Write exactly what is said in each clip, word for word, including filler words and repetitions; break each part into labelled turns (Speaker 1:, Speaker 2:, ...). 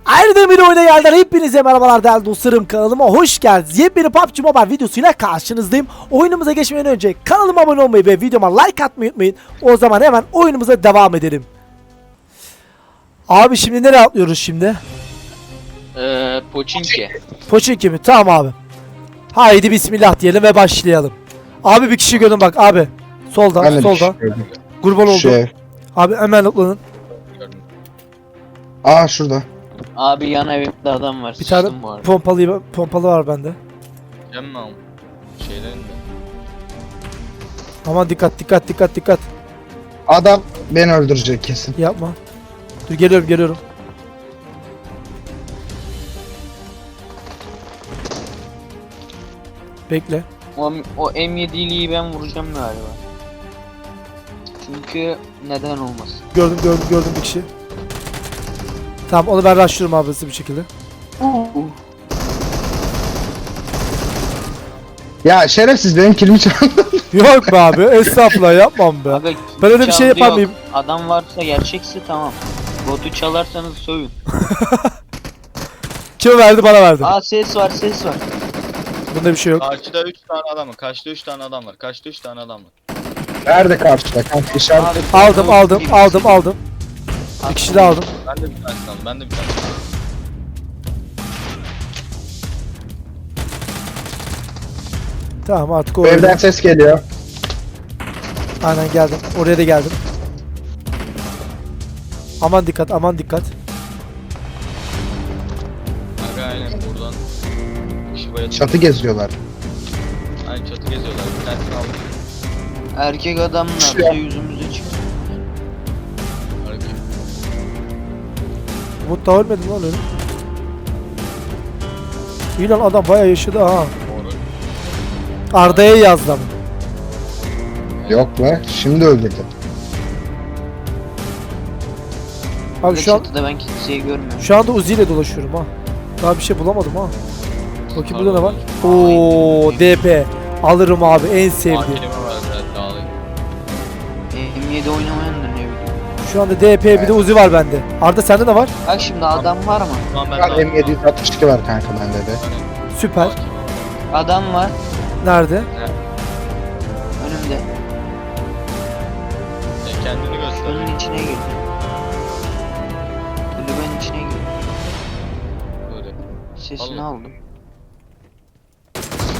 Speaker 1: Ayrıca bir oyuna geldiler. Hepinize merhabalar değerli dostlarım, kanalıma hoş geldiniz. Yepyeni P U B G Mobile videosuyla karşınızdayım. Oyunumuza geçmeden önce kanalıma abone olmayı ve videoma like atmayı unutmayın. O zaman hemen oyunumuza devam edelim. Abi şimdi nereye atlıyoruz şimdi?
Speaker 2: Eee Poçinki.
Speaker 1: Poçinki mi? Tamam abi. Haydi bismillah diyelim ve başlayalım. Abi bir kişi gördüm bak abi. Solda,
Speaker 3: Ben de bir
Speaker 1: solda.
Speaker 3: şey gördüm.
Speaker 1: Kurban oldu.
Speaker 3: Şu ev.
Speaker 1: Abi hemen atlanın.
Speaker 3: Aa şurada.
Speaker 2: Abi yan evimde adam var.
Speaker 1: Bir tane
Speaker 2: Sıçtım bu arada.
Speaker 1: pompalı pompalı var bende.
Speaker 4: Cemmam şeylerin de.
Speaker 1: Aman dikkat dikkat dikkat dikkat.
Speaker 3: Adam beni öldürecek kesin.
Speaker 1: Yapma. Dur geliyorum geliyorum. Bekle.
Speaker 2: O, o M yedi'liyi ben vuracağım galiba. Çünkü neden olmasın?
Speaker 1: Gördüm gördüm gördüm bir kişi. Tamam onu ben rushlıyorum abi hızlı bir şekilde.
Speaker 2: Uh.
Speaker 3: Ya şerefsiz benim kilimi çaldı.
Speaker 1: Yok be abi estağfurullah yapmam be.
Speaker 2: Aga,
Speaker 1: Ben öyle bir şey
Speaker 2: çaldı
Speaker 1: yapar
Speaker 2: yok.
Speaker 1: mıyım?
Speaker 2: Adam varsa gerçekse tamam. Botu çalarsanız sövün.
Speaker 1: Kim verdi bana verdi.
Speaker 2: Aa ses var ses var.
Speaker 1: Bunda bir şey yok.
Speaker 4: Karşıda üç tane adam var. Karşıda üç tane adam var. Karşıda üç tane adam var.
Speaker 3: Nerede karşıda? Kanka işaret.
Speaker 2: Abi,
Speaker 1: Aldım aldım
Speaker 2: bir-
Speaker 1: aldım aldım. Bir kişi de aldım.
Speaker 4: Ben de bir tanesini aldım. Ben de bir tanesini aldım.
Speaker 1: Tamam artık
Speaker 3: Bu
Speaker 1: o
Speaker 3: evden
Speaker 1: öyle.
Speaker 3: ses geliyor.
Speaker 1: Aynen geldim. Oraya da geldim. Aman dikkat aman dikkat.
Speaker 4: Aga aynen buradan. Kişi bayağı
Speaker 3: Çatı geziyorlar.
Speaker 4: Aynen çatı geziyorlar. Bir tanesini aldım.
Speaker 2: Erkek adamlarsa
Speaker 3: Ya.
Speaker 2: yüzümüze çıksın.
Speaker 4: Hareket.
Speaker 1: Umut da ölmedi lan öyle. İyi lan adam bayağı yaşadı ha.
Speaker 4: Doğru.
Speaker 1: Arda'ya yazdı ama.
Speaker 3: Yok be. Şimdi öldürdü.
Speaker 1: Abi şu an
Speaker 2: Çatıda ben kimseyi görmüyorum.
Speaker 1: şu anda Uzi ile dolaşıyorum ha. Daha bir şey bulamadım ha. Bakayım burada ne var?
Speaker 2: Pardon.
Speaker 1: Oo D P. Alırım abi en sevdiğim.
Speaker 4: Hakilime var biraz daha alayım.
Speaker 2: M yedi oynamayan da ne bileyim.
Speaker 1: Şu anda D P bir de Uzi var bende. Arda sende de var.
Speaker 2: Bak şimdi adam var mı?
Speaker 4: Şu an ben
Speaker 3: Şu an M yedi yüz altmış iki var kanka bende de.
Speaker 1: Süper.
Speaker 2: Adam var
Speaker 1: Nerede?
Speaker 2: önümde.
Speaker 4: E, kendini göster.
Speaker 2: Önün içine gir. Kulübenin içine gir.
Speaker 4: Böyle.
Speaker 2: Sesini
Speaker 4: Allah.
Speaker 2: aldım.
Speaker 1: Oo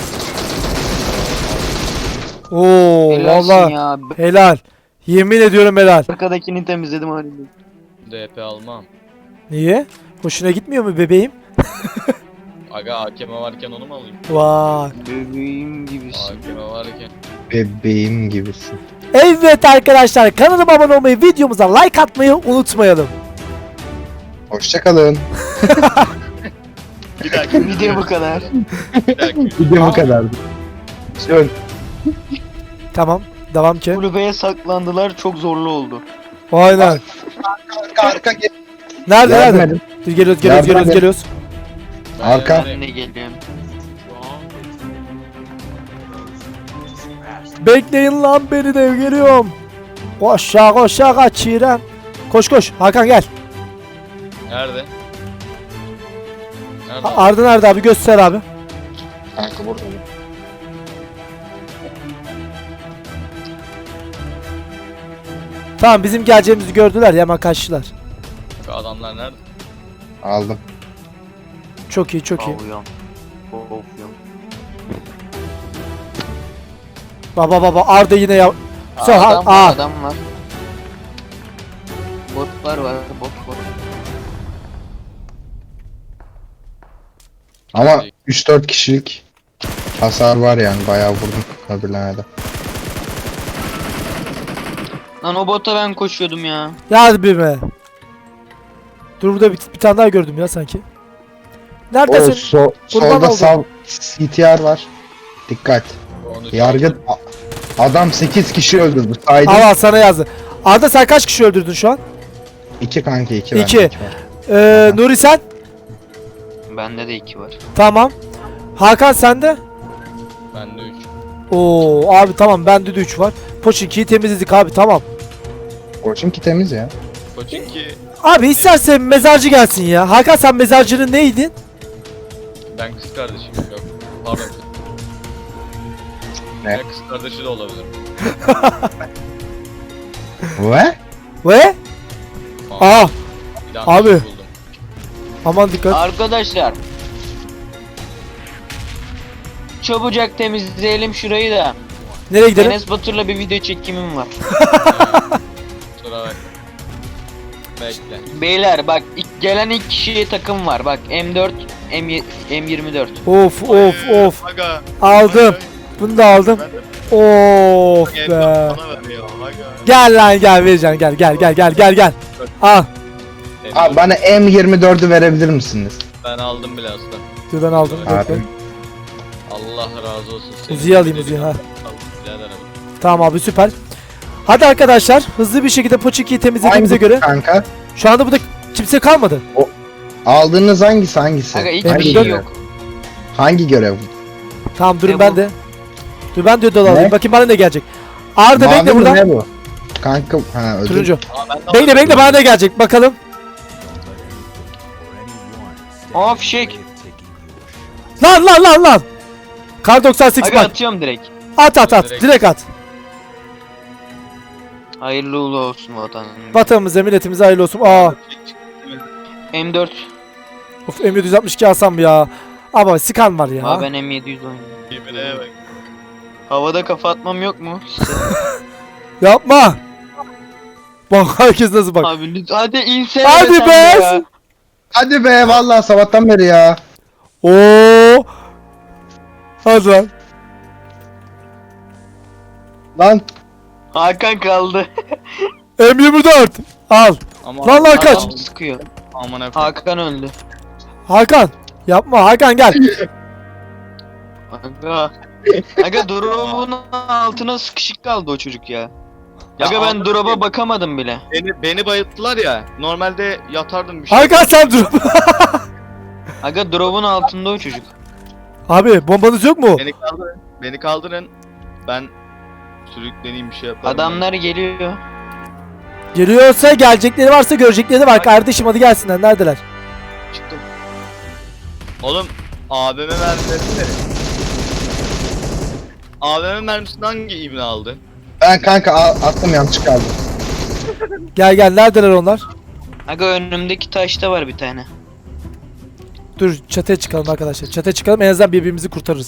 Speaker 2: Helalsin
Speaker 1: valla
Speaker 2: ya.
Speaker 1: helal. Yemin ediyorum helal.
Speaker 2: Arkadakini temizledim halinde.
Speaker 4: D P almam.
Speaker 1: Niye? Hoşuna gitmiyor mu bebeğim?
Speaker 4: Aga A K M varken onu mu alayım?
Speaker 1: Vay.
Speaker 2: Bebeğim gibisin.
Speaker 4: A K M varken.
Speaker 3: Bebeğim gibisin.
Speaker 1: Evet arkadaşlar kanalıma abone olmayı, videomuza like atmayı unutmayalım.
Speaker 3: Hoşçakalın.
Speaker 4: Bir dakika.
Speaker 2: Video bu kadar.
Speaker 4: Bir dakika.
Speaker 3: Video bu kadardı. Şöyle.
Speaker 1: Tamam devam ki.
Speaker 2: Kulübeye saklandılar, çok zorlu oldu.
Speaker 1: Aynen.
Speaker 3: Arka arka gel.
Speaker 1: Nerede nerede?
Speaker 3: Yardım
Speaker 1: Dur, geliyoruz geliyoruz
Speaker 3: Yardım
Speaker 1: geliyoruz
Speaker 3: edin.
Speaker 1: geliyoruz.
Speaker 3: Arka.
Speaker 2: Ben de geliyorum.
Speaker 1: Bekleyin lan beni de geliyorum. Koşa koşa kaçıram. Koş koş Hakan gel.
Speaker 4: Nerede? Nerede?
Speaker 1: A- Arda nerede abi göster abi.
Speaker 3: Kanka burada.
Speaker 1: Tamam bizim geleceğimizi gördüler ya hemen kaçtılar.
Speaker 4: Adamlar nerede?
Speaker 3: Aldım.
Speaker 1: Çok iyi çok iyi.
Speaker 2: Avuyorum. Avuyorum.
Speaker 1: Baba baba Arda yine ya. Sen ha-
Speaker 2: Adam
Speaker 1: aa.
Speaker 2: var, adam var. Botlar var, bot var.
Speaker 3: Ama üç dört kişilik hasar var yani bayağı vurdum öbürlerine de.
Speaker 2: Lan o bota ben koşuyordum ya.
Speaker 1: Ya hadi bir be. Dur burada bir, bir tane daha gördüm ya sanki.
Speaker 3: O
Speaker 1: Neredesin?
Speaker 3: so
Speaker 1: Kurban
Speaker 3: solda
Speaker 1: oldum.
Speaker 3: sal C T R var. Dikkat.
Speaker 4: Onu
Speaker 3: Yargı a- adam sekiz kişi öldürdü. Saydım.
Speaker 1: Al al sana yazdı. Arda sen kaç kişi öldürdün şu an?
Speaker 3: iki kanka iki.
Speaker 1: İki.
Speaker 3: bende, iki var.
Speaker 1: Ee, Nuri sen?
Speaker 2: Bende de iki var.
Speaker 1: Tamam. Hakan sende?
Speaker 4: Bende üç.
Speaker 1: Oo abi tamam bende de üç var. Poçinki'yi temizledik abi tamam.
Speaker 3: Koçinki temiz ya.
Speaker 4: Koçinki
Speaker 1: Abi istersen mezarcı gelsin ya. Hakan sen mezarcının neydin?
Speaker 4: Ben kız kardeşim yok. Pardon.
Speaker 3: Ne?
Speaker 4: Ya kız kardeşi de olabilir.
Speaker 3: Ve?
Speaker 1: Ve? Aa
Speaker 4: Bir daha
Speaker 1: abi.
Speaker 4: bir şey buldum.
Speaker 1: aman dikkat.
Speaker 2: Arkadaşlar. Çabucak temizleyelim şurayı da.
Speaker 1: Nereye gidelim?
Speaker 2: Enes Batur'la bir video çekimim var.
Speaker 4: Kusura bakma. Bekle.
Speaker 2: Beyler bak ilk- gelen ilk kişiye takım var. Bak M dört, M, y- M yirmi dört.
Speaker 1: Of of of.
Speaker 4: Aga.
Speaker 1: Aldım. Bunu da aldım.
Speaker 4: Ben de
Speaker 1: Of
Speaker 4: Gel,
Speaker 1: be.
Speaker 4: bana ver ya. Aga.
Speaker 1: Gel lan gel vereceğim gel gel gel gel gel gel. Al.
Speaker 3: Abi bana M yirmi dördü verebilir misiniz?
Speaker 4: Ben aldım bile aslında.
Speaker 1: Dur ben aldım.
Speaker 3: Abi.
Speaker 1: Bekle.
Speaker 4: Allah razı olsun. Senin
Speaker 1: Uzi'yi alayım,
Speaker 4: gibi
Speaker 1: Uzi'yi,
Speaker 4: bir-
Speaker 1: ha.
Speaker 4: Al, birader abi.
Speaker 1: Tamam abi süper. Hadi arkadaşlar hızlı bir şekilde Poçiki'yi temizlediğimize
Speaker 3: Hangi
Speaker 1: göre
Speaker 3: kanka?
Speaker 1: şu anda burada kimse kalmadı.
Speaker 3: Aldığınız hangisi hangisi?
Speaker 2: Aga hiç
Speaker 1: Ben
Speaker 2: bir
Speaker 3: hangi
Speaker 2: şey
Speaker 3: görev?
Speaker 2: yok.
Speaker 3: Hangi görev?
Speaker 1: Tamam durun
Speaker 2: Ne
Speaker 1: ben
Speaker 2: bu?
Speaker 1: de. Dur ben de ödül alayım.
Speaker 3: Ne?
Speaker 1: Bakayım bana ne gelecek. Arda
Speaker 3: Mavi
Speaker 1: bekle
Speaker 3: mi,
Speaker 1: burada.
Speaker 3: ne bu? Kanka ha ödül.
Speaker 1: Turuncu.
Speaker 4: Aa, ben de
Speaker 1: Bekle
Speaker 4: aldım.
Speaker 1: bekle bana ne gelecek bakalım.
Speaker 2: Aa fişek.
Speaker 1: Lan lan lan lan. Kar doksan sekiz
Speaker 2: Aga
Speaker 1: bak.
Speaker 2: atıyorum direkt.
Speaker 1: At at at.
Speaker 4: Direkt.
Speaker 1: Direkt at.
Speaker 2: Hayırlı uğurlu olsun vatan.
Speaker 1: Vatanımıza milletimize hayırlı olsun. Aa.
Speaker 2: M dört.
Speaker 1: Of M yedi yüz altmış iki alsam ya. Ama skan var ya.
Speaker 2: Aa ben M yedi yüz oynuyorum.
Speaker 4: Birbirine bak.
Speaker 2: Havada kafa atmam yok mu?
Speaker 1: Yapma. Bak herkes nasıl bak.
Speaker 2: Abi lütfen hadi insene
Speaker 1: Hadi
Speaker 2: sen
Speaker 1: be!
Speaker 2: ya.
Speaker 3: Hadi be vallahi sabahtan beri ya.
Speaker 1: Oo. Hadi lan.
Speaker 3: Lan
Speaker 2: Hakan kaldı.
Speaker 1: M yirmi dört. Al.
Speaker 4: Ama
Speaker 1: Lan lan kaç.
Speaker 2: Adam sıkıyor.
Speaker 4: amına koyayım.
Speaker 2: Hakan öldü.
Speaker 1: Hakan. Yapma Hakan gel.
Speaker 2: Aga. Aga drop'un altına sıkışık kaldı o çocuk ya.
Speaker 4: Ya
Speaker 2: Aga ben
Speaker 4: anladım.
Speaker 2: drop'a bakamadım bile.
Speaker 4: Beni, beni bayılttılar ya. Normalde yatardım bir şey.
Speaker 1: Hakan sen dur.
Speaker 2: Aga drop'un altında o çocuk.
Speaker 1: Abi bombanız yok mu?
Speaker 4: Beni kaldırın. Beni kaldırın. Ben sürükleneyim bir şey yaparım.
Speaker 2: Adamlar geliyor.
Speaker 1: Geliyorsa gelecekleri varsa görecekleri var. Kardeşim hadi gelsinler. Neredeler?
Speaker 4: Ben çıktım. Oğlum A V M mermilerini verin. A V M mermisini hangi ibne aldı?
Speaker 3: ben kanka a- attım yanlış kaldı.
Speaker 1: Gel gel. Neredeler onlar?
Speaker 2: Aga önümdeki taşta var bir tane.
Speaker 1: Dur çatıya çıkalım arkadaşlar. Çatıya çıkalım en azından birbirimizi kurtarırız.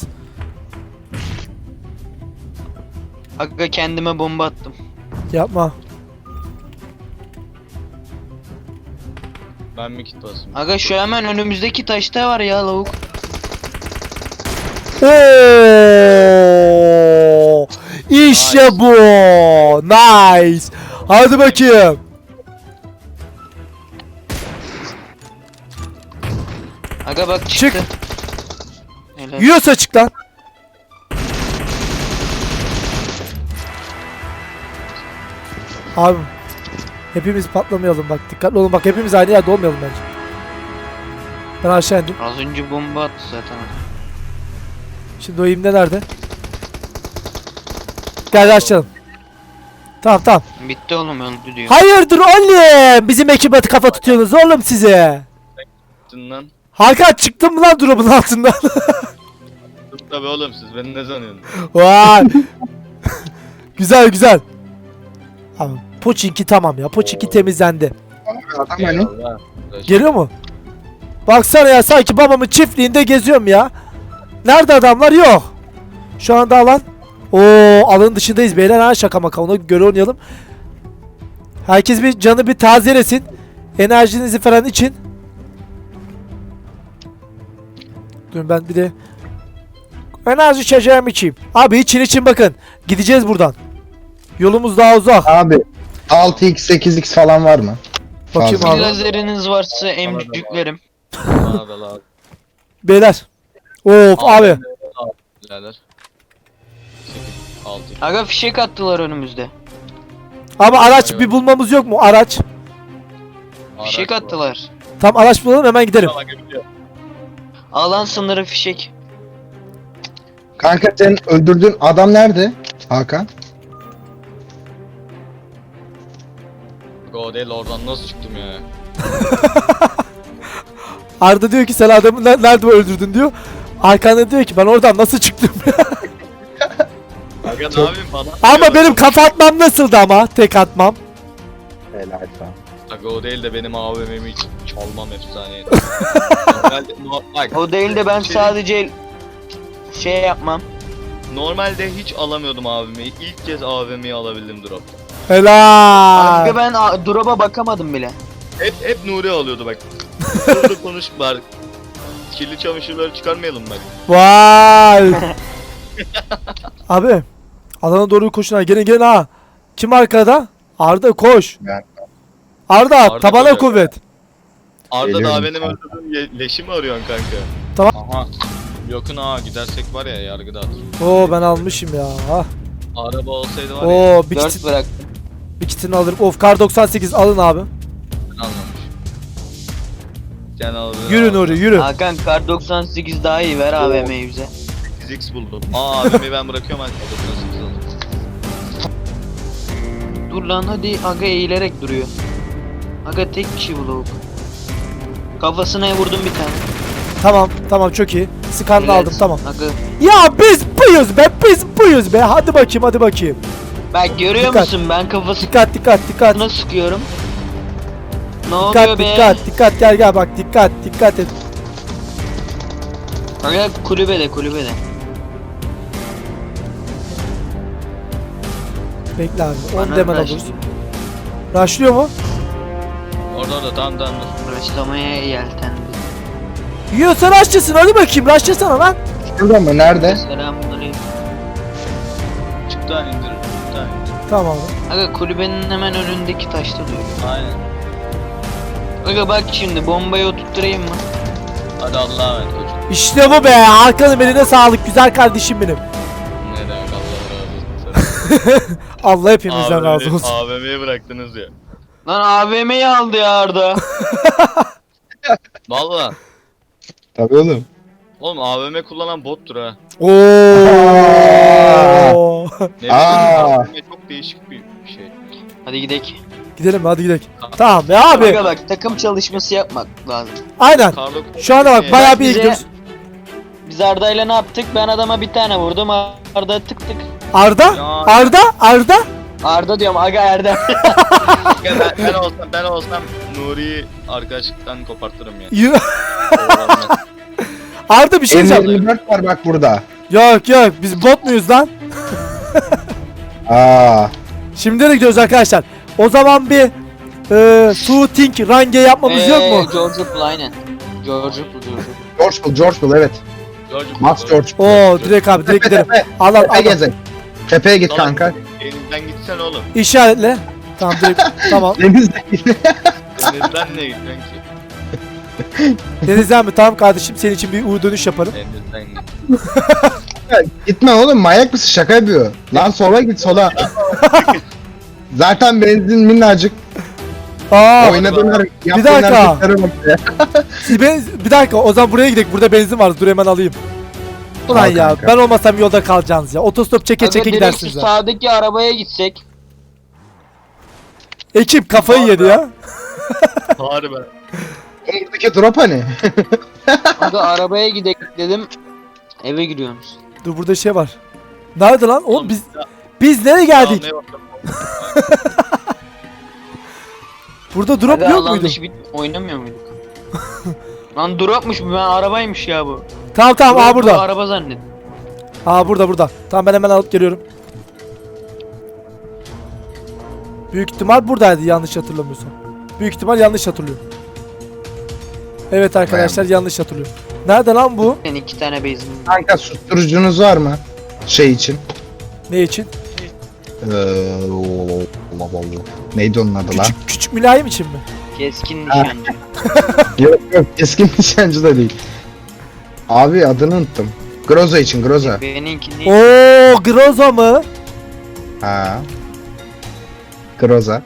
Speaker 2: Aga kendime bomba attım.
Speaker 1: Yapma.
Speaker 4: Ben mi kit basayım?
Speaker 2: Aga şu hemen önümüzdeki taşta var ya lavuk.
Speaker 1: Oo! İşte
Speaker 4: Nice.
Speaker 1: bu. Nice. Hadi bakayım.
Speaker 2: Aga bak
Speaker 1: Çık.
Speaker 2: çıktı. Helal.
Speaker 1: Yiyorsa çık lan. Abi hepimiz patlamayalım bak dikkatli olun bak hepimiz aynı yerde olmayalım bence. Ben aşağı indim.
Speaker 2: Az önce bomba attı zaten.
Speaker 1: Şimdi o imde nerede? Gel açalım. Tamam tamam.
Speaker 2: Bitti oğlum öldü diyor.
Speaker 1: Hayırdır oğlum? Bizim ekibe kafa tutuyorsunuz oğlum size.
Speaker 4: Lan.
Speaker 1: Hakan çıktın mı lan drop'un altından?
Speaker 4: Tabii oğlum siz beni ne sanıyorsunuz?
Speaker 1: Vay. Güzel güzel. Abi Poçinki tamam ya. Poçinki temizlendi.
Speaker 3: Adam hani
Speaker 4: Eyvallah.
Speaker 1: Geliyor mu? Baksana ya sanki babamın çiftliğinde geziyorum ya. Nerede adamlar? Yok. Şu anda alan. Oo alanın dışındayız beyler ha şaka maka ona göre oynayalım. Herkes bir canı bir tazelesin. Enerjinizi falan için. Dur ben bir de enerji içeceğim içeyim. Abi için için bakın. Gideceğiz buradan. Yolumuz daha uzak.
Speaker 3: abi altı x sekiz x falan var mı?
Speaker 1: Bakayım
Speaker 3: Fazla.
Speaker 1: abi.
Speaker 2: Lazeriniz varsa emcüklerim.
Speaker 4: Bana da lazım.
Speaker 1: Beyler. Of abi.
Speaker 4: Birader. sekiz, altı.
Speaker 2: Aga fişek attılar önümüzde.
Speaker 1: Ama araç bir bulmamız yok mu? Araç.
Speaker 2: Fişek
Speaker 4: Araç bu.
Speaker 2: attılar.
Speaker 1: Tam araç bulalım hemen gidelim.
Speaker 4: Tamam, gidiyor.
Speaker 2: Alan sınırı fişek.
Speaker 3: Kanka senin öldürdüğün adam nerede? Hakan.
Speaker 4: Go değil oradan nasıl çıktım ya?
Speaker 1: Arda diyor ki sen adamı ne- nerede öldürdün diyor. Arkanda diyor ki ben oradan nasıl çıktım?
Speaker 4: Aga ne yapayım falan.
Speaker 1: Ama benim kafa atmam nasıldı ama tek atmam.
Speaker 3: Helal sana.
Speaker 4: Aga o değil de benim A V M'mi hiç çalmam efsaneydi. Normalde, no, bak,
Speaker 2: O değil de ben
Speaker 4: şey-
Speaker 2: sadece şey yapmam.
Speaker 4: Normalde hiç alamıyordum A V M'yi. İlk kez A V M'yi alabildim dropta.
Speaker 1: Helal.
Speaker 2: Kanka ben a- drop'a bakamadım bile.
Speaker 4: Hep hep Nuri alıyordu bak. Burada konuş bari. Kirli çamaşırları çıkarmayalım bak.
Speaker 1: Vay. Abi alana doğru koşun ha. Gelin gelin ha. Kim arkada? Arda koş.
Speaker 3: Ben
Speaker 1: Arda,
Speaker 4: Arda
Speaker 1: tabana
Speaker 4: koşuyor.
Speaker 1: kuvvet.
Speaker 4: Arda
Speaker 3: Geliyorum
Speaker 4: daha benim
Speaker 3: kanka.
Speaker 4: öldürdüğüm ye- leşi mi arıyorsun kanka?
Speaker 1: Tamam.
Speaker 4: Aha. Yakın ha gidersek var ya yargıda atır.
Speaker 1: Oo ben almışım ya. Ah.
Speaker 4: Araba olsaydı var ya
Speaker 1: Oo bir,
Speaker 2: dört
Speaker 1: kit,
Speaker 2: bıraktım.
Speaker 1: bir kitini alırım. Of kar doksan sekiz alın abi.
Speaker 4: ben almamış. Sen aldın.
Speaker 1: Yürü Nuri yürü.
Speaker 2: Hakan kar doksan sekiz daha iyi ver A V M'yi bize.
Speaker 4: sekiz x buldum. Aa A V M'yi ben bırakıyorum hadi. doksan sekiz aldım.
Speaker 2: Dur lan hadi aga eğilerek duruyor. Aga tek kişi bu lavuk. Kafasına vurdum bir tane.
Speaker 1: Tamam tamam çok iyi. Skanını
Speaker 2: Helal.
Speaker 1: aldım tamam.
Speaker 2: Aga.
Speaker 1: Ya biz buyuz be biz buyuz be. Hadi bakayım hadi bakayım.
Speaker 2: Bak görüyor
Speaker 1: Dikkat.
Speaker 2: musun ben kafasına
Speaker 1: Dikkat dikkat dikkat.
Speaker 2: sıkıyorum. Ne oluyor
Speaker 1: Dikkat
Speaker 2: be?
Speaker 1: dikkat dikkat gel gel bak dikkat dikkat et.
Speaker 2: Aga kulübede kulübede.
Speaker 1: Bekle abi on
Speaker 2: Bana
Speaker 1: demen
Speaker 2: rush
Speaker 1: alırız.
Speaker 2: diyor.
Speaker 1: Rushlıyor mu?
Speaker 4: Orada orada tamam tamam dur.
Speaker 2: Rushlamaya yeltendi.
Speaker 1: Yiyorsan rushlasın hadi bakayım rushlasana lan.
Speaker 3: Şurada mı? Nerede?
Speaker 2: Selamünaleyküm.
Speaker 4: Çıktı hani indir. Çıktı hani indir.
Speaker 1: Tamam abi.
Speaker 2: Aga kulübenin hemen önündeki taşta duruyor.
Speaker 4: Aynen.
Speaker 2: Aga bak şimdi bombayı oturtturayım mı?
Speaker 4: Hadi Allah'a emanet koçum.
Speaker 1: İşte bu be arkanın eline sağlık güzel kardeşim benim.
Speaker 4: Ne demek Allah razı olsun.
Speaker 1: Allah hepimizden razı olsun.
Speaker 4: A V M'yi bıraktınız ya.
Speaker 2: Lan A V M'yi aldı ya Arda.
Speaker 4: Valla.
Speaker 3: Tabii oğlum.
Speaker 4: Oğlum A V M kullanan bottur ha.
Speaker 1: Oo.
Speaker 4: Ne
Speaker 3: Aa.
Speaker 4: bileyim A V M çok değişik bir şey.
Speaker 2: Hadi gidelim.
Speaker 1: Gidelim hadi gidelim. Tamam ya abi.
Speaker 2: Aga bak takım çalışması yapmak lazım.
Speaker 1: Aynen.
Speaker 4: Karlo
Speaker 1: Şu anda bak
Speaker 4: Ee,
Speaker 1: bayağı bir iyi
Speaker 2: bize-
Speaker 1: gidiyoruz.
Speaker 2: Biz Arda'yla ne yaptık? Ben adama bir tane vurdum. Arda tık tık.
Speaker 1: Arda?
Speaker 4: Ya.
Speaker 1: Arda? Arda?
Speaker 2: Arda diyorum aga Erdem.
Speaker 4: ben, ben olsam ben olsam Nuri'yi arkadaşlıktan kopartırım ya.
Speaker 1: Yürü. Arda bir şey
Speaker 3: M
Speaker 1: diyeceğim.
Speaker 3: yirmi dört var bak burada.
Speaker 1: Yok yok biz bot muyuz lan?
Speaker 3: Aa.
Speaker 1: Şimdi de gidiyoruz arkadaşlar. O zaman bir e, shooting range yapmamız yok mu?
Speaker 2: Ee, George Bull aynen. George Bull George Bull.
Speaker 3: George Bull, George Bull evet.
Speaker 4: George
Speaker 3: Max George Bull.
Speaker 1: Oo direkt abi direkt gidelim. Al al
Speaker 3: Tepeye
Speaker 1: al.
Speaker 3: gezin. Tepeye git
Speaker 4: Tamam.
Speaker 3: kanka.
Speaker 4: Elimden gitsen oğlum.
Speaker 1: İşaretle. Tamam direkt tamam.
Speaker 3: Denizde
Speaker 4: Denizden ne gitsen ki?
Speaker 1: Denizden mi? Tamam kardeşim senin için bir U dönüş yaparım.
Speaker 4: Denizden git.
Speaker 3: Gitme oğlum manyak mısın şaka yapıyor. Lan sola git sola. Zaten benzin minnacık.
Speaker 1: Aa,
Speaker 3: Oynadığın
Speaker 1: Bir dakika.
Speaker 3: hareketlere bak ya.
Speaker 1: siz ben, bir dakika o zaman buraya gidelim. Burada benzin var. Dur hemen alayım. Ulan
Speaker 3: Al
Speaker 1: ya
Speaker 3: kanka.
Speaker 1: ben olmasam yolda kalacaksınız ya. Otostop çeke
Speaker 2: Aga
Speaker 1: çeke
Speaker 2: direkt
Speaker 1: gidersiniz
Speaker 2: şu
Speaker 1: ya.
Speaker 2: sağdaki arabaya gitsek.
Speaker 1: Ekip kafayı yedi ya.
Speaker 4: Harbi.
Speaker 3: Oğlum buradaki drop hani?
Speaker 2: Aga arabaya gidelim dedim. Eve giriyorsunuz.
Speaker 1: Dur burada şey var. Nerede lan? Oğlum
Speaker 4: Oğlum,
Speaker 1: biz
Speaker 4: ya-
Speaker 1: biz nereye geldik?
Speaker 4: Almaya bakalım.
Speaker 1: Burada drop
Speaker 2: Aga
Speaker 1: yok
Speaker 2: alan
Speaker 1: muydu?
Speaker 2: dışı bir oynamıyor muyduk? Lan dropmuş bu ben arabaymış ya bu.
Speaker 1: Tamam tamam aa
Speaker 2: Drop bu,
Speaker 1: burada.
Speaker 2: Araba zannettim.
Speaker 1: Aa burada burada. Tamam ben hemen alıp geliyorum. Büyük ihtimal buradaydı yanlış hatırlamıyorsam. Büyük ihtimal yanlış hatırlıyorum. Evet arkadaşlar yanlış hatırlıyorum. Nerede lan bu?
Speaker 2: Senin iki tane base'in.
Speaker 3: Kanka susturucunuz var mı? Şey için.
Speaker 1: Ne için?
Speaker 3: Ee, Allah Allah. Neydi onun adı lan?
Speaker 1: Küçük küçük mülayim için mi?
Speaker 2: Keskin
Speaker 3: Ha.
Speaker 2: nişancı.
Speaker 3: Yok yok keskin nişancı da değil. Abi adını unuttum. Groza için Groza.
Speaker 2: Benimki ne?
Speaker 1: Oo Groza mı?
Speaker 3: Ha. Groza.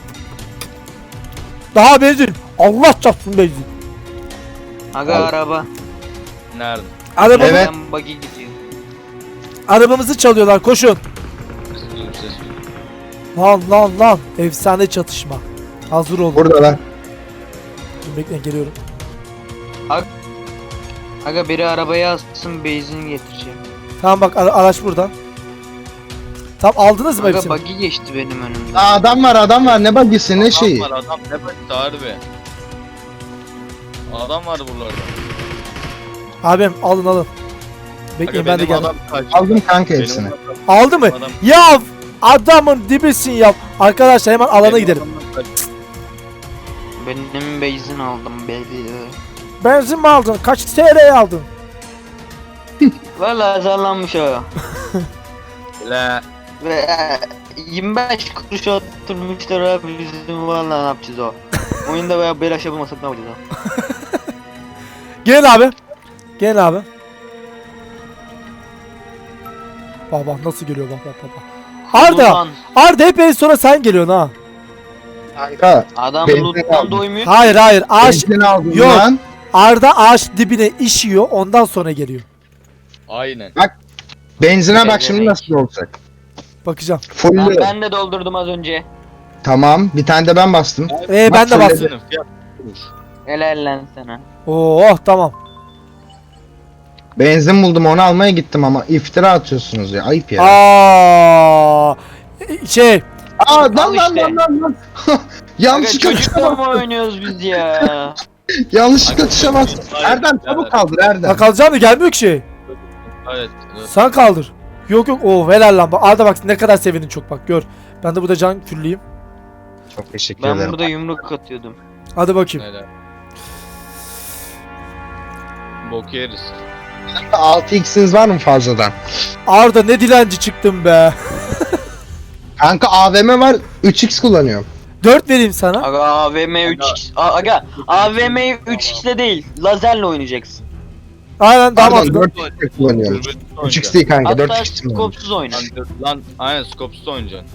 Speaker 1: Daha benzin. Allah çarpsın benzin.
Speaker 2: Aga
Speaker 3: Al.
Speaker 2: araba.
Speaker 4: Nerede?
Speaker 1: Arabamı,
Speaker 3: Evet.
Speaker 2: Ben buggy gidiyor.
Speaker 1: Arabamızı çalıyorlar koşun.
Speaker 4: Ses duyuyorum, ses duyuyorum.
Speaker 1: Lan lan lan. Efsane çatışma. Hazır olun.
Speaker 3: Buradalar.
Speaker 1: Dur, bekleyin geliyorum.
Speaker 2: Aga biri arabaya alsın benzin getireceğim.
Speaker 1: Tamam bak ara- araç burada. Tamam aldınız mı
Speaker 2: Aga
Speaker 1: hepsini?
Speaker 2: buggy geçti benim önümden.
Speaker 3: Aa, adam var adam var ne bagisi ne şeyi.
Speaker 4: Adam var adam ne baktı harbi. Adam var buralarda.
Speaker 1: Abim alın alın. Bekleyin
Speaker 4: Aga
Speaker 1: ben de
Speaker 4: benim
Speaker 1: geldim.
Speaker 4: adam kaçtı.
Speaker 3: Aldım kanka
Speaker 4: Benim
Speaker 3: hepsini.
Speaker 4: adam-
Speaker 1: Aldı mı?
Speaker 4: adam-
Speaker 1: Ya adamın dibisin ya. Arkadaşlar hemen alana
Speaker 4: benim
Speaker 1: gidelim.
Speaker 4: adamdan kaçtı.
Speaker 2: Benim benzin aldım baby.
Speaker 1: Benzin mi aldın? Kaç T L'ye aldın?
Speaker 2: Valla azarlanmış o.
Speaker 4: La.
Speaker 2: Ve e, yirmi beş kuruş oturmuşlar abi bizim valla ne yapacağız o. Oyunda veya belaş yapamasak ne yapacağız o.
Speaker 1: Gelin abi. Gelin abi. Bak bak nasıl geliyor bak bak bak. bak. Arda.
Speaker 2: Ulan,
Speaker 1: Arda hep en sonra sen geliyorsun ha.
Speaker 3: Kanka
Speaker 2: adam
Speaker 3: Benzin
Speaker 2: loot'tan
Speaker 3: aldım.
Speaker 2: doymuyor.
Speaker 1: Hayır hayır. Ağaç,
Speaker 3: benzin aldım
Speaker 1: Yok.
Speaker 3: lan.
Speaker 1: Arda ağaç dibine işiyor ondan sonra geliyor.
Speaker 4: Aynen.
Speaker 3: Benzine
Speaker 2: Ne
Speaker 3: bak şimdi
Speaker 2: demek?
Speaker 3: nasıl olacak.
Speaker 1: Bakacağım.
Speaker 3: Full.
Speaker 2: Lan ben de doldurdum az önce.
Speaker 3: Tamam bir tane de ben bastım.
Speaker 1: Ee ben de
Speaker 3: Bak,
Speaker 1: bastım.
Speaker 4: Senin fiyat kuruş.
Speaker 2: Helal lan sana.
Speaker 1: Oh tamam.
Speaker 3: Benzin buldum onu almaya gittim ama iftira atıyorsunuz ya ayıp ya.
Speaker 1: Aa şey
Speaker 3: Aa lan
Speaker 2: Al
Speaker 3: lan
Speaker 2: işte.
Speaker 3: lan lan lan.
Speaker 2: Aga
Speaker 3: Yanlışlıkla
Speaker 2: çocukla
Speaker 3: tuşa
Speaker 2: mı
Speaker 3: bastım.
Speaker 2: oynuyoruz biz ya?
Speaker 3: Yanlışlıkla tuşa bastım.
Speaker 4: Hayır,
Speaker 3: Erdem
Speaker 4: hayır.
Speaker 3: çabuk kaldır Erdem.
Speaker 1: bak alacağım da gelmiyor ki şey.
Speaker 4: Evet. evet.
Speaker 1: Sen kaldır. Yok yok o helal lan. Bak, Arda bak ne kadar sevindin çok bak gör. Ben de burada can külleyim.
Speaker 3: Çok teşekkür
Speaker 2: Ben
Speaker 3: ederim.
Speaker 2: burada yumruk atıyordum.
Speaker 1: Hadi bakayım.
Speaker 4: Helal. Bok yeriz.
Speaker 3: altı x'iniz var mı fazladan?
Speaker 1: Arda ne dilenci çıktın be.
Speaker 3: Kanka A V M var üç x kullanıyorum.
Speaker 1: dört vereyim sana.
Speaker 2: Aga A V M üç x. A- Aga A V M'yi üç x'le değil lazerle oynayacaksın.
Speaker 1: Aynen daha
Speaker 3: Pardon
Speaker 1: mantıklı.
Speaker 3: dört x kullanıyorum.
Speaker 4: Dürbün
Speaker 3: üç x
Speaker 4: oynayacaksın.
Speaker 3: değil kanka
Speaker 2: Hatta
Speaker 3: dört x kullanıyorum.
Speaker 2: skopsuz oyna.
Speaker 4: Lan, dur- Lan aynen skopsuz oynayacaksın.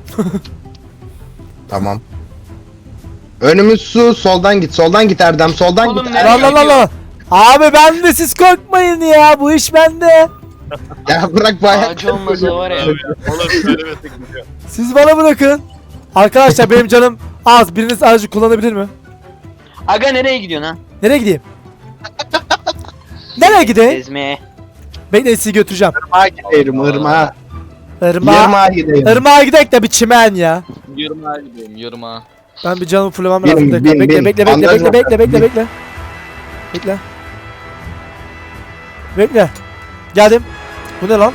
Speaker 3: Tamam. Önümüz su soldan git soldan git Erdem soldan
Speaker 2: Oğlum
Speaker 3: git.
Speaker 2: ne-
Speaker 1: Lan lan lan lan. Abi ben de siz korkmayın ya bu iş bende.
Speaker 3: Ya bırak bayağı.
Speaker 2: Ağacı olmasa var ya.
Speaker 4: Oğlum söylemesek gidiyor.
Speaker 1: Siz bana bırakın. Arkadaşlar benim canım az. Biriniz aracı kullanabilir mi?
Speaker 2: Aga nereye gidiyorsun ha?
Speaker 1: Nereye gideyim? Nereye gideyim?
Speaker 2: Gezmeye.
Speaker 1: Bekleyin sizi götüreceğim.
Speaker 3: Irmağa gidelim ırmağa.
Speaker 1: Irmağa.
Speaker 3: Irmağa gidelim.
Speaker 1: Irmağa gidelim de bir çimen ya.
Speaker 4: Yırmağa gideyim yırmağa.
Speaker 1: Ben bir canımı fullemem
Speaker 3: Bin,
Speaker 1: lazım.
Speaker 3: bin,
Speaker 1: Bekle bekle
Speaker 3: bin.
Speaker 1: bekle bekle
Speaker 3: Bandaj
Speaker 1: bekle
Speaker 3: yok.
Speaker 1: bekle bekle
Speaker 3: Bin.
Speaker 1: bekle. Bekle. Bekle. Geldim. Bu ne lan?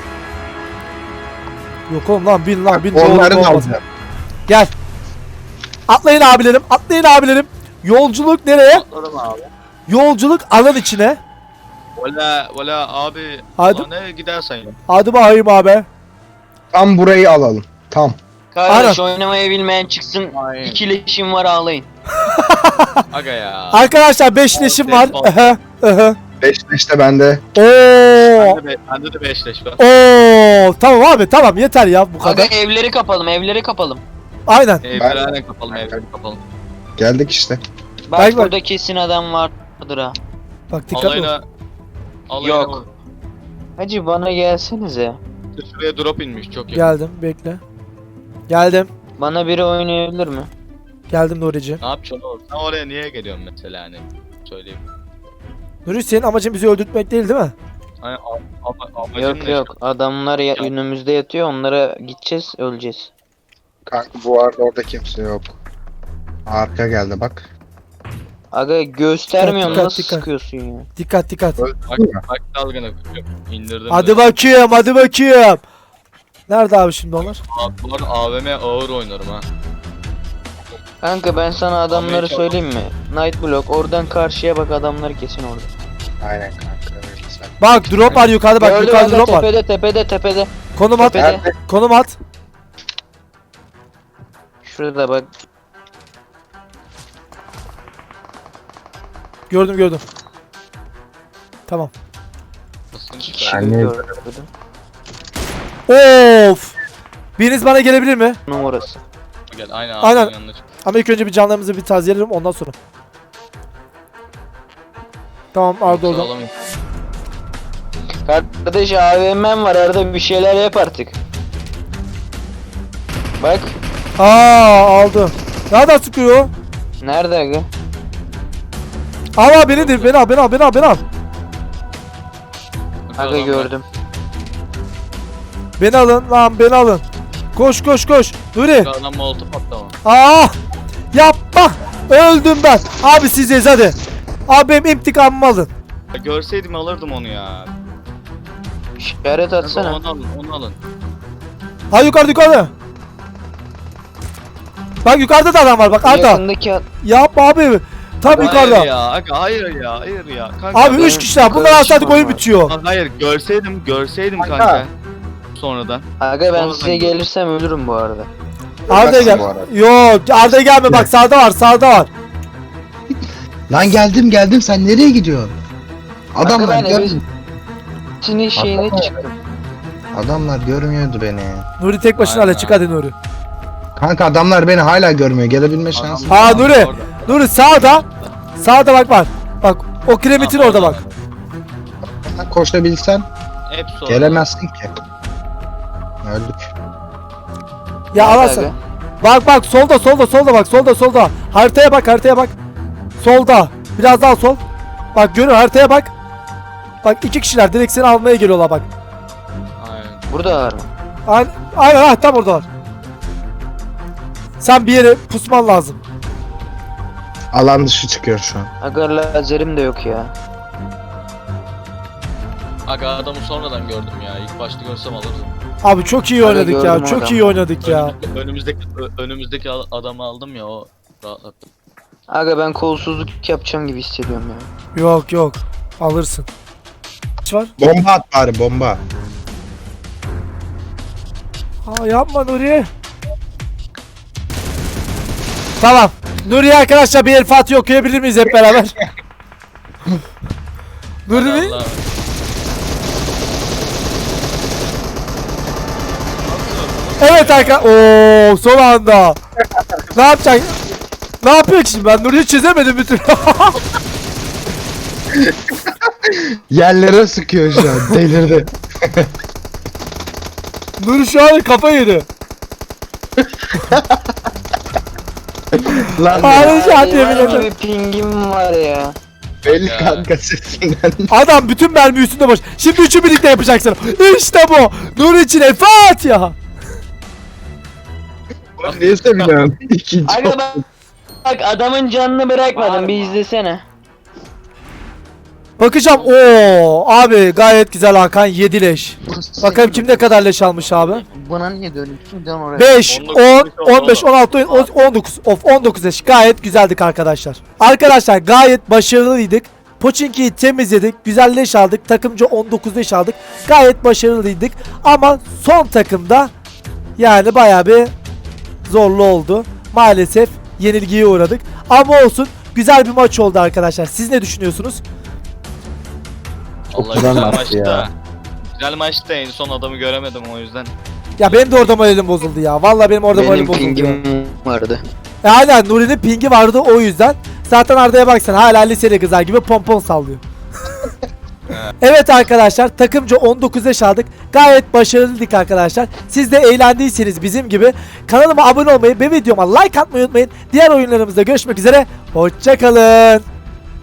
Speaker 1: Yok oğlum lan bin lan bin.
Speaker 3: Onları
Speaker 1: Doğru,
Speaker 3: da
Speaker 1: olmaz.
Speaker 3: alacağım.
Speaker 1: Gel. Atlayın abilerim. Atlayın abilerim. Yolculuk nereye?
Speaker 4: Atladım abi.
Speaker 1: Yolculuk alan içine.
Speaker 4: Valla valla abi.
Speaker 1: Hadi.
Speaker 4: Hadi. Ne gidersen ya.
Speaker 1: Hadi bakayım abi.
Speaker 3: Tam burayı alalım. Tam.
Speaker 2: Kardeş oynamayı bilmeyen çıksın.
Speaker 4: Aynen.
Speaker 2: İki leşim var ağlayın.
Speaker 4: Aga ya.
Speaker 1: Arkadaşlar beşleşim var.
Speaker 4: Ol.
Speaker 1: Aha, aha.
Speaker 3: beş işte bende.
Speaker 1: Oo.
Speaker 4: Bende, be, bende de beşleş var.
Speaker 1: Oo. Tamam abi tamam yeter ya bu
Speaker 2: Aga
Speaker 1: kadar.
Speaker 2: evleri kapalım evleri kapalım.
Speaker 1: Aynen.
Speaker 4: Evleri aynen kapalım evleri kapalım.
Speaker 3: Geldik işte.
Speaker 2: Bak
Speaker 1: Bak, bak.
Speaker 2: burada kesin adam vardır ha.
Speaker 1: Bak dikkatli ol.
Speaker 4: Alayına. Alayına
Speaker 2: Yok.
Speaker 4: bak.
Speaker 2: Hacı bana gelsenize.
Speaker 4: Şuraya drop inmiş çok iyi.
Speaker 1: Geldim bekle. Geldim.
Speaker 2: Bana biri oynayabilir mi?
Speaker 1: Geldim Nuri'ciğim.
Speaker 4: Ne yapacaksın oğlum? Sen oraya niye geliyorsun mesela hani? Söyleyeyim.
Speaker 1: Nuri senin amacın bizi öldürtmek değil değil mi?
Speaker 4: Hani a- a- amacın
Speaker 2: Yok
Speaker 4: ne
Speaker 2: yok adamlar ya, önümüzde yatıyor onlara gideceğiz öleceğiz.
Speaker 3: Kanka bu arada orada kimse yok. Arka geldi bak.
Speaker 2: Aga göstermiyorsun
Speaker 1: Dikkat,
Speaker 2: nasıl
Speaker 1: dikkat.
Speaker 2: sıkıyorsun ya?
Speaker 1: Dikkat dikkat.
Speaker 4: işte? Bak bak dalgana indirdim.
Speaker 1: Hadi
Speaker 4: de.
Speaker 1: bakayım hadi bakayım. Nerede abi şimdi onlar?
Speaker 4: Abi, bu arada A V M ağır oynarım ha.
Speaker 2: Kanka ben sana adamları
Speaker 4: Amerika-
Speaker 2: söyleyeyim mi? Night Block oradan karşıya bak adamları kesin orada.
Speaker 3: Aynen kanka öyle sen.
Speaker 1: Bak drop var yukarıda bak
Speaker 2: Gördüm
Speaker 1: yukarıda
Speaker 2: aga,
Speaker 1: drop var.
Speaker 2: tepede tepede tepede.
Speaker 1: Konum at.
Speaker 2: Tepede.
Speaker 3: Nerede?
Speaker 1: Konum at.
Speaker 2: Şurada bak.
Speaker 1: Gördüm gördüm. Tamam.
Speaker 4: Nasıl
Speaker 2: İki
Speaker 4: çıkar?
Speaker 2: kişi
Speaker 3: Yani-
Speaker 2: gördüm.
Speaker 1: Of. Biriniz bana gelebilir mi?
Speaker 2: Numarası.
Speaker 4: Gel aynen
Speaker 1: Aynen.
Speaker 4: aynen. yanına çık.
Speaker 1: Ama ilk önce bir canlarımızı bir tazeleyelim ondan sonra. Tamam Arda orada.
Speaker 4: Sağlam.
Speaker 2: Kardeş A V M'm var arada bir şeyler yap artık. Bak.
Speaker 1: Aa aldı. Nereden sıkıyor?
Speaker 2: Nerede aga?
Speaker 1: Al al beni de beni al beni al beni al beni al.
Speaker 2: Aga gördüm.
Speaker 1: Beni alın lan beni alın. Koş koş koş. Nuri.
Speaker 4: Adam molotof attı ama.
Speaker 1: Aa! Yapma. Öldüm ben. Abi siz hadi. Abi benim intikamımı alın.
Speaker 4: Ya görseydim alırdım onu ya.
Speaker 2: İşaret atsana.
Speaker 4: Onu alın, onu alın.
Speaker 1: Ha yukarıda yukarıda. Bak yukarıda da adam var bak Arda.
Speaker 2: Yakındaki at.
Speaker 1: Yapma abi. Tam
Speaker 4: Hayır
Speaker 1: yukarıda.
Speaker 4: ya, aga, hayır ya, hayır ya. Kanka,
Speaker 1: Abi
Speaker 4: ben-
Speaker 1: üç kişiler. Bunlar alsaydık oyun bitiyor.
Speaker 4: Lan hayır, görseydim, görseydim
Speaker 3: Kanka.
Speaker 4: kanka. Sonradan.
Speaker 2: Aga ben
Speaker 4: Sonradan
Speaker 2: size
Speaker 4: gör.
Speaker 2: gelirsem ölürüm bu arada.
Speaker 1: Arda'ya gel.
Speaker 3: bu arada.
Speaker 1: Yok Arda'ya gelme bak sağda var sağda var.
Speaker 3: Lan geldim geldim sen nereye gidiyorsun? Adamlar
Speaker 2: ben
Speaker 3: gör
Speaker 2: eve- Şimdi şeyine çıktım.
Speaker 3: Adamlar görmüyordu beni.
Speaker 1: Nuri tek başına
Speaker 4: Aynen.
Speaker 1: hala çık hadi Nuri.
Speaker 3: Kanka adamlar beni hala görmüyor. Gelebilme şansı.
Speaker 1: Ha,
Speaker 4: Adam-
Speaker 1: Nuri.
Speaker 4: Orada.
Speaker 1: Nuri sağda. Sağda bak var. Bak o kiremitin
Speaker 4: Tamam,
Speaker 1: orada bak.
Speaker 3: Koşabilsen
Speaker 4: Hepsi orada.
Speaker 3: gelemezsin ki. Öldük.
Speaker 1: Ya
Speaker 2: Nerede
Speaker 1: alasın.
Speaker 2: aga?
Speaker 1: Bak bak solda solda solda bak solda solda. Haritaya bak haritaya bak. Solda. Biraz daha sol. Bak görüyor haritaya bak. Bak iki kişiler direkt seni almaya geliyorlar bak.
Speaker 4: Aynen.
Speaker 2: Burada var mı?
Speaker 1: Aynen aynen ha, tam oradalar. Sen bir yere pusman lazım.
Speaker 3: Alan dışı çıkıyor şu an.
Speaker 2: Aga lazerim de yok ya.
Speaker 4: Aga adamı sonradan gördüm ya. İlk başta görsem alırdım.
Speaker 1: Abi çok iyi
Speaker 2: Hadi
Speaker 1: oynadık ya.
Speaker 2: gördüm
Speaker 1: Çok
Speaker 2: adamı.
Speaker 1: iyi oynadık ya.
Speaker 4: Önümüzdeki, önümüzdeki, ö- önümüzdeki al- adamı aldım ya, o rahatlattı.
Speaker 2: Aga ben kolsuzluk yapacağım gibi hissediyorum ya.
Speaker 1: Yok yok. Alırsın. Kaç var?
Speaker 3: Bomba at bari bomba.
Speaker 1: Aa yapma Nuri. Tamam. Nuri arkadaşlar bir El Fatiha okuyabilir miyiz hep beraber? Nuri
Speaker 4: Allah.
Speaker 1: evet arkadaşlar. Oo son anda. Ne yapacak? Ne yapıyor ki şimdi ben Nuri'yi çözemedim bir türlü.
Speaker 3: Yerlere sıkıyor şu an. Delirdi.
Speaker 1: Nuri şu an kafa yedi.
Speaker 3: Lan
Speaker 1: Ağrı şu an
Speaker 2: Hayvan
Speaker 1: yemin ederim.
Speaker 2: gibi pingim var ya.
Speaker 3: belli
Speaker 4: Ya.
Speaker 3: kanka sesinden.
Speaker 1: Adam bütün mermi üstünde boş. Şimdi üçü birlikte yapacaksın. İşte bu. Nuri için El Fatiha.
Speaker 3: Niye seviniyorsun? İkinci.
Speaker 2: Aga bak, bak adamın canını bırakmadım bir izlesene.
Speaker 1: Bakacağım. Oo abi gayet güzel Hakan yedi leş. Bakalım kim ne kadar leş almış abi.
Speaker 2: Buna niye dönüyorsun? Dön oraya.
Speaker 1: beş,
Speaker 4: on dokuz,
Speaker 1: on, on beş, on altı, on dokuz. Of on dokuz leş. Gayet güzeldik arkadaşlar. Arkadaşlar gayet başarılıydık. Pochinki'yi temizledik. Güzel leş aldık. Takımca on dokuz leş aldık. Gayet başarılıydık. Ama son takımda yani bayağı bir zorlu oldu. Maalesef yenilgiye uğradık. Ama olsun. Güzel bir maç oldu arkadaşlar. Siz ne düşünüyorsunuz?
Speaker 4: Allah
Speaker 3: güzel
Speaker 4: güzel
Speaker 3: maçtı
Speaker 4: maçtı.
Speaker 3: ya.
Speaker 4: Güzel maçtı, en son adamı göremedim o yüzden.
Speaker 1: Ya benim de orada moralim bozuldu ya. Vallahi benim orada moralim
Speaker 2: Benim
Speaker 1: bozuldu. ya.
Speaker 2: pingim vardı.
Speaker 1: E aynen Nuri'nin pingi vardı o yüzden. Zaten Arda'ya baksan hala liseli kızlar gibi pompon sallıyor. Evet arkadaşlar takımca on dokuz yaş aldık. Gayet başarılıydık arkadaşlar. Siz de eğlendiyseniz bizim gibi kanalıma abone olmayı ve videoma like atmayı unutmayın. Diğer oyunlarımızda görüşmek üzere. Hoşçakalın.